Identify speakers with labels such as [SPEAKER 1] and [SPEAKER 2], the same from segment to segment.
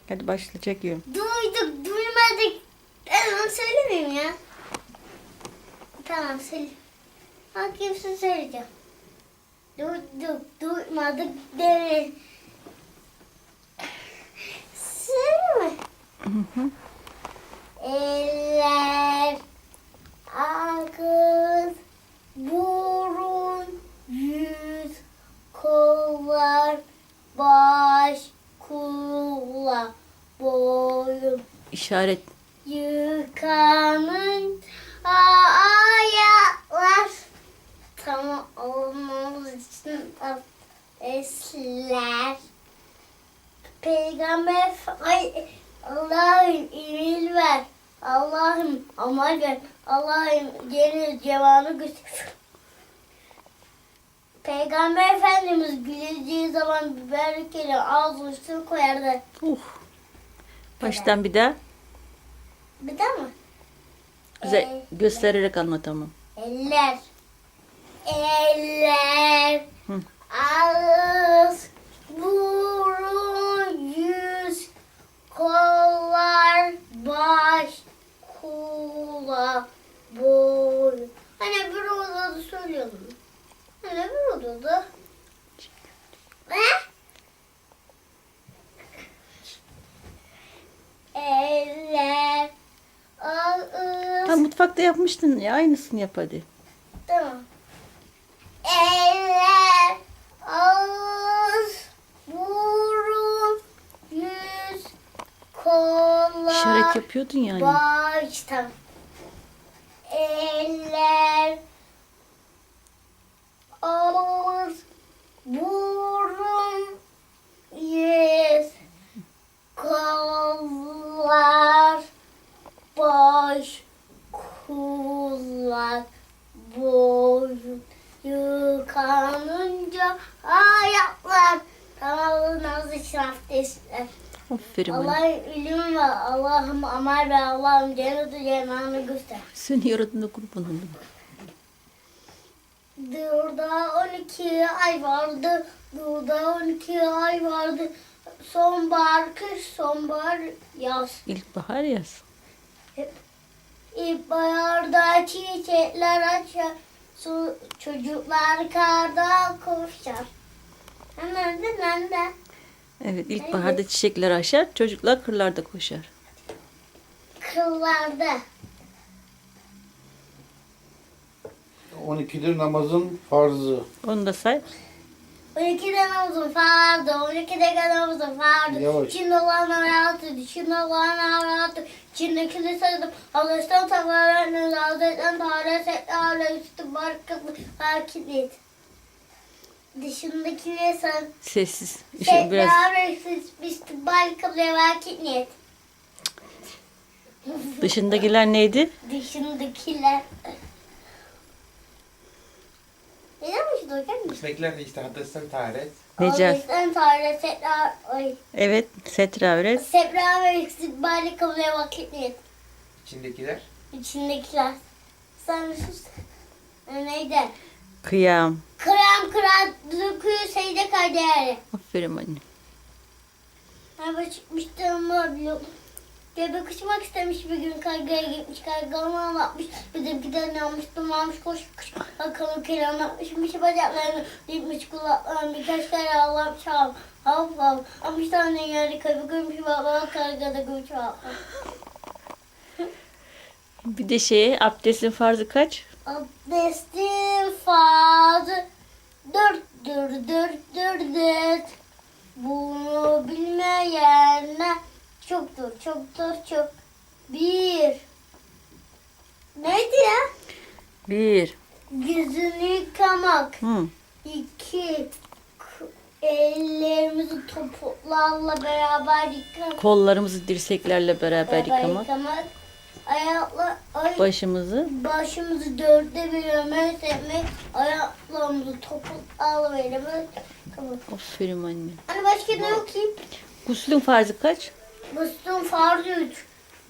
[SPEAKER 1] Hadi başla, çekiyorum.
[SPEAKER 2] Duyduk, duymadık. Ben söylemeyeyim ya. Tamam, söyle. Bakayım size söyleyeceğim. Duyduk, duymadık demeyin. Söyle mi?
[SPEAKER 1] Hı hı.
[SPEAKER 2] Eller, ağız, burun, yüz, kollar, baş, kulak, boyun,
[SPEAKER 1] İşaret.
[SPEAKER 2] yıkanın ayaklar. Tamam olmamız için esler. Peygamber ay Allah'ım emir ver. Allah'ım amal ver. Allah'ım geri cevanı göster. Peygamber Efendimiz güleceği zaman biberlikleri ağzının üstüne koyardı.
[SPEAKER 1] Baştan bir daha.
[SPEAKER 2] Bir daha mı?
[SPEAKER 1] Güzel göstererek anlat ama.
[SPEAKER 2] Eller. Eller.
[SPEAKER 1] Hı.
[SPEAKER 2] Ağız. Burun. Yüz. Kollar. Baş. Kulak. Boyun. Hani bir odada söylüyordum. Hani bir odada. Ne? Eller. Ağız.
[SPEAKER 1] Tam mutfakta yapmıştın ya, aynısını yap hadi.
[SPEAKER 2] Tamam. Eller, ağız, burun, yüz, kollar,
[SPEAKER 1] İşaret yapıyordun yani.
[SPEAKER 2] baş. Tamam. Eller, ağız, burun, yüz, kollar, baş, kulak, boyun, yıkanınca ayaklar. Tamamlanmaz için abdestler.
[SPEAKER 1] Aferin bana.
[SPEAKER 2] Allah'ım ilim ve Allah'ım amel ve Allah'ım cenneti cenanı göster.
[SPEAKER 1] Seni yaratına kurban olayım.
[SPEAKER 2] Burada 12 ay vardı. Burada 12 ay vardı. Sonbahar, kış, sonbahar, yaz.
[SPEAKER 1] İlkbahar yaz.
[SPEAKER 2] İlkbaharda çiçekler açar. Çocuklar karda koşar. Hemen de ben de.
[SPEAKER 1] Evet, ilkbaharda çiçekler açar, çocuklar kırlarda koşar.
[SPEAKER 2] Kıllarda.
[SPEAKER 3] 12'dir namazın farzı.
[SPEAKER 1] Onu da say.
[SPEAKER 2] 12'de namazım fardı. 12'de namazım fardı.
[SPEAKER 3] Yavaş.
[SPEAKER 2] İçinde olan hayatı. İçinde olan hayatı. İçindekini saydım. Allah'tan tavırlarını Hazretten Teala Sekâle üstü barkılı farkı et. Dışındakini sen.
[SPEAKER 1] Sessiz. Şu biraz
[SPEAKER 2] Sekâle üstü barkılı vakit niyet.
[SPEAKER 1] dışındakiler neydi?
[SPEAKER 2] Dışındakiler. Neden mi dokar mısın?
[SPEAKER 4] İçindekiler de işte haddesten taharet.
[SPEAKER 1] Necat.
[SPEAKER 2] Allah'tan Teala Sekâle.
[SPEAKER 1] Evet, setra öğret.
[SPEAKER 2] Sebra ve istikbali kabul vakit niyet.
[SPEAKER 4] İçindekiler
[SPEAKER 2] İçindekiler. Sen sus. Neydi?
[SPEAKER 1] Kıyam.
[SPEAKER 2] Kıram kıran döküyor seyde kader.
[SPEAKER 1] Aferin anne.
[SPEAKER 2] Araba çıkmıştım ama biliyordum. Göbek uçmak istemiş bir gün kargaya gitmiş. Karga onu anlatmış. Bizimkiler ne almıştım almış koş koş. Bakalım kere anlatmışmış bacaklarını. Dipmiş kulaklarını birkaç kere Allah'ım çal. Hop hop. Almış tane yerde köpek görmüş baba kargada güç var.
[SPEAKER 1] Bir de abdestin farzı kaç?
[SPEAKER 2] Abdestin fazı dört. Bunu bilmeyenler çoktur. Bir. Neydi ya?
[SPEAKER 1] 1.
[SPEAKER 2] Yüzünü yıkamak.
[SPEAKER 1] Hı.
[SPEAKER 2] 2. Ellerimizi topuklarla beraber yıkamak.
[SPEAKER 1] Kollarımızı dirseklerle beraber yıkamak.
[SPEAKER 2] Ayakla,
[SPEAKER 1] Başımızı
[SPEAKER 2] dörtte bölmek, ayaklarımızı topuklarla beraber yıkamak.
[SPEAKER 1] aferin anne.
[SPEAKER 2] Hani başka ne okuyayım?
[SPEAKER 1] Guslün farzı kaç?
[SPEAKER 2] Müslüm farzı 3.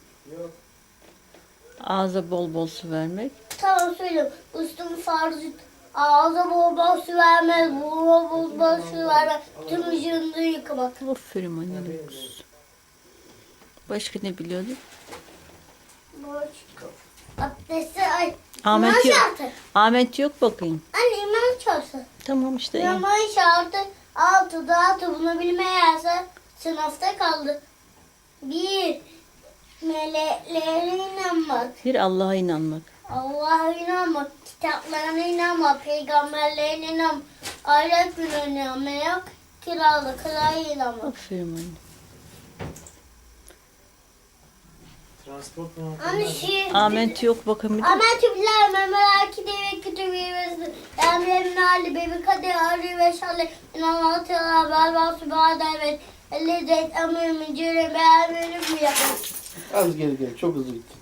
[SPEAKER 1] Ağza bol bol su vermek.
[SPEAKER 2] Tamam söyleyeyim. Müslüm farzı 3. Ağza bol bol su vermez, buruna bol bol su vermez. Tüm vücudunu yıkamak.
[SPEAKER 1] Aferin anne. Başka ne biliyordun?
[SPEAKER 2] Başka. Abdesti ay.
[SPEAKER 1] Ahmet
[SPEAKER 2] İmam
[SPEAKER 1] yok.
[SPEAKER 2] şartı.
[SPEAKER 1] Ahmet yok bakayım.
[SPEAKER 2] Anne imam şartı.
[SPEAKER 1] Tamam işte. iyi.
[SPEAKER 2] İmam şartı 6'da bunu bilmeyerse sınıfta kaldı. 1. Meleklere inanmak.
[SPEAKER 1] Bir Allah'a inanmak.
[SPEAKER 2] Allah'a inanmak. Kitaplarına inanmak. Peygamberlerine inanmak. Ahiret gününe inanmak. Kiralıklara inanmak.
[SPEAKER 1] Aferin anne.
[SPEAKER 4] Transport mu?
[SPEAKER 2] Anne şey...
[SPEAKER 1] Ahmet yok bakayım bir de.
[SPEAKER 2] Ahmet Tübüler, Memelaki Devi Kütübü Vezdi, Emre'nin Ali, Bebi Kadir, Arı ve Şalli, İnanatı, Belbası, Bağday ve Elizet, Emre'min Cire, Beğenmenim mi yapın?
[SPEAKER 3] Az geri çok hızlı gitti.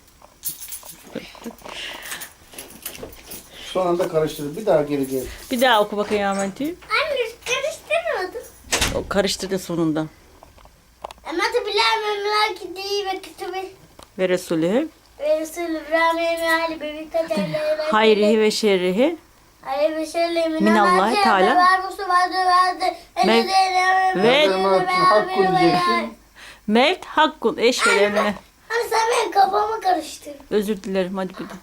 [SPEAKER 3] Son anda karıştırdı. Bir daha geri.
[SPEAKER 1] Bir daha oku bakayım Ahmet'i.
[SPEAKER 2] Anne karıştırmadım.
[SPEAKER 1] O karıştırdı sonunda.
[SPEAKER 2] Ahmet Tübüler, Memelaki Devi ve Kütübü
[SPEAKER 1] Ve Resulü.
[SPEAKER 2] ve Resulü, Emre'nin Ali, Bebi Kadir,
[SPEAKER 1] Hayrihi ve şerrihi.
[SPEAKER 2] Ali ve Şalli,
[SPEAKER 1] Minallahi Teala.
[SPEAKER 2] Verbusu vardı,
[SPEAKER 1] Mev- Ve-
[SPEAKER 3] Hakkı diyeceksin.
[SPEAKER 1] Mevt hakkun eşvelenine.
[SPEAKER 2] Hani sen benim kafamı karıştırdın.
[SPEAKER 1] Özür dilerim hadi bir de.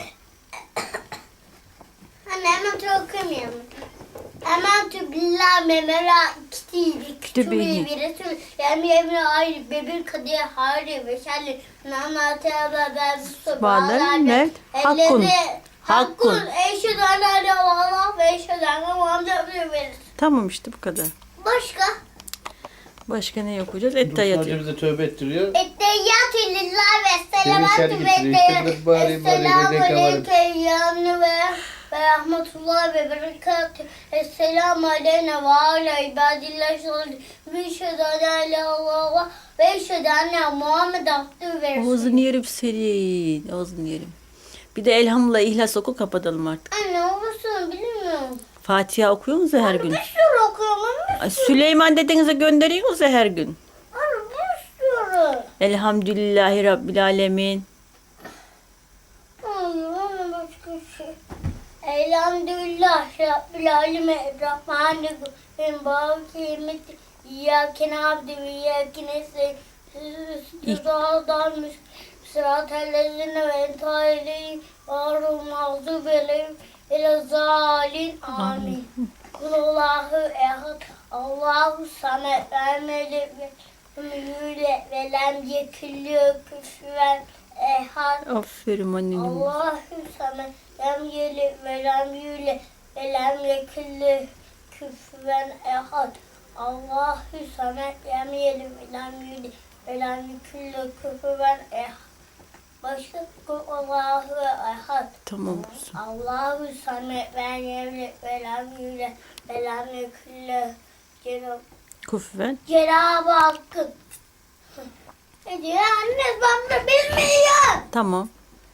[SPEAKER 2] Anne hemen okumayalım. Hemen tübilla memera kitiydi.
[SPEAKER 1] Kütübeyi.
[SPEAKER 2] Kütübeyi bir resul. Yani evine ayrı bebir kadıya harri ve şerli. Nana teaba ben
[SPEAKER 1] Subhanen mevt hakkun. Hakkun.
[SPEAKER 2] Eşhedü en la ilahe illallah ve eşhedü enne Muhammeden verir.
[SPEAKER 1] Tamam işte bu kadar.
[SPEAKER 2] Başka?
[SPEAKER 1] Başka ne okuyacağız?
[SPEAKER 3] Dursun
[SPEAKER 1] Ettehiyat.
[SPEAKER 3] Hoca bize tövbe ettiriyor.
[SPEAKER 2] Etteyyatü lillahi ve selavatü
[SPEAKER 3] Seni
[SPEAKER 2] ve
[SPEAKER 3] getiriyor. İşte biraz bari
[SPEAKER 2] Esselamu
[SPEAKER 3] dedek var.
[SPEAKER 2] aleyke yani ve rahmetullah ve berekatü. Esselamu aleyne ve ala ibadillah şahidi. Ve şedane ilallah ve şedane Muhammed abdü ve
[SPEAKER 1] Ağzını
[SPEAKER 2] resulü.
[SPEAKER 1] yerim senin. Ağzını yerim. Bir de elhamdülillah ihlas oku kapatalım artık.
[SPEAKER 2] Anne olursun bilmiyorum.
[SPEAKER 1] Fatiha okuyor musun her gün?
[SPEAKER 2] Bir sürü okuyorum ama
[SPEAKER 1] Ay, Süleyman dedenize gönderiyor musun her gün?
[SPEAKER 2] anne bir sürü.
[SPEAKER 1] Elhamdülillahi Rabbil Alemin.
[SPEAKER 2] Hayır ama başka şey. Elhamdülillah Rabbil Alemin Rahmanirrahim Bâki Himmet İyyâke nâbdü ve İyyâke nestaîn Sıratal Sıratellezine ve entâileyhim Vârum mağzûb eleyhim Elezâlin Amin. Kulullahu ehad Allahu samet vermeli ve lem yekillü küfüven ehad.
[SPEAKER 1] Aferin annem.
[SPEAKER 2] Allahu samet lem yeli ve lem yule ve lem yekillü küfüven ehad. Allahu samet lem yeli ve lem yule ve lem yekillü küfüven ehad. Başka Allahu ehad.
[SPEAKER 1] Tamam kuzum.
[SPEAKER 2] Allahu samet ve yevli ve lem yule ve lem yekillü
[SPEAKER 1] Kuffen.
[SPEAKER 2] Cenab-ı Hakk'ın. Ne diyor anne ben de bilmiyorum.
[SPEAKER 1] Tamam.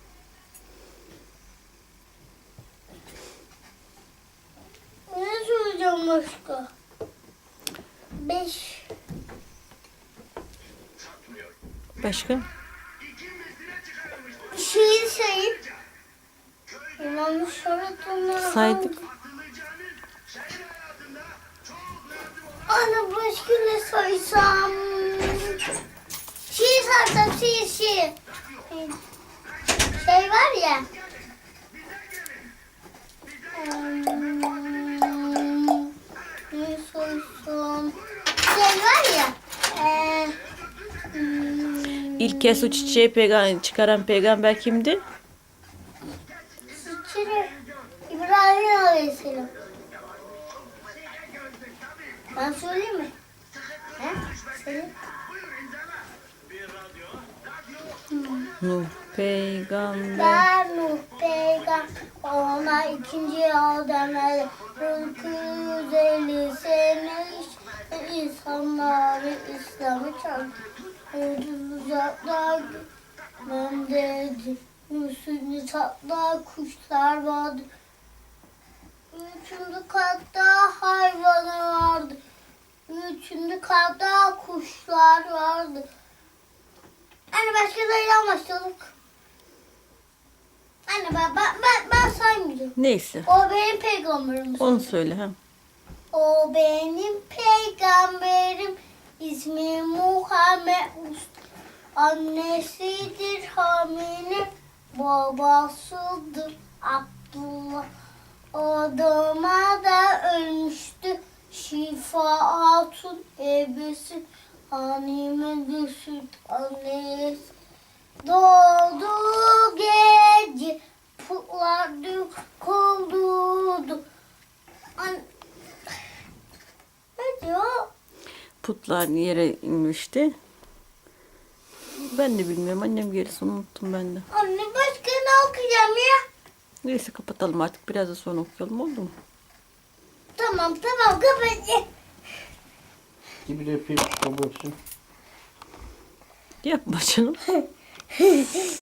[SPEAKER 2] Ne söyleyeceğim başka? 5.
[SPEAKER 1] Başka?
[SPEAKER 2] Şiir sayıp İmam-ı Şarat'ın
[SPEAKER 1] Saydık.
[SPEAKER 2] Ana başka ne saysam? Şiir saysam şiir. Şey var ya. Ne saysam? Şey var ya.
[SPEAKER 1] İlk kez o çiçeği çıkaran peygamber kimdi?
[SPEAKER 2] Sıçırı. İbrahim Aleyhisselam. Ben söyleyeyim mi? He? Söyle.
[SPEAKER 1] Nuh peygamber.
[SPEAKER 2] Ben Nuh peygamber ona ikinci Adem'e 950 sene insanları İslam'ı çarptı. Uzaklar ben dedi. Üstünde tatlı kuşlar vardı. Üçüncü katta hayvanı vardı. Üçüncü katta kuşlar vardı. Anne başka da başladık. Anne ben saymayacağım.
[SPEAKER 1] Neyse.
[SPEAKER 2] O benim peygamberim.
[SPEAKER 1] Onu söyle ha.
[SPEAKER 2] O benim peygamberim. İsmi Muhammed. Annesidir hamile, babasıdır Abdullah. Adama da ölmüştü Şifa Hatun ebesi. Hanime süt annesi. Doğdu gece putlar döküldü. Ne diyor?
[SPEAKER 1] Putlar yere inmişti. Ben de bilmiyorum. Annem gerisini unuttum ben de.
[SPEAKER 2] Anne başka ne okuyacağım ya?
[SPEAKER 1] Neyse kapatalım artık. Biraz da sonra okuyalım, oldu mu?
[SPEAKER 2] Tamam kapat.
[SPEAKER 3] Gibi de öpeyim. Babası.
[SPEAKER 1] Yapma canım.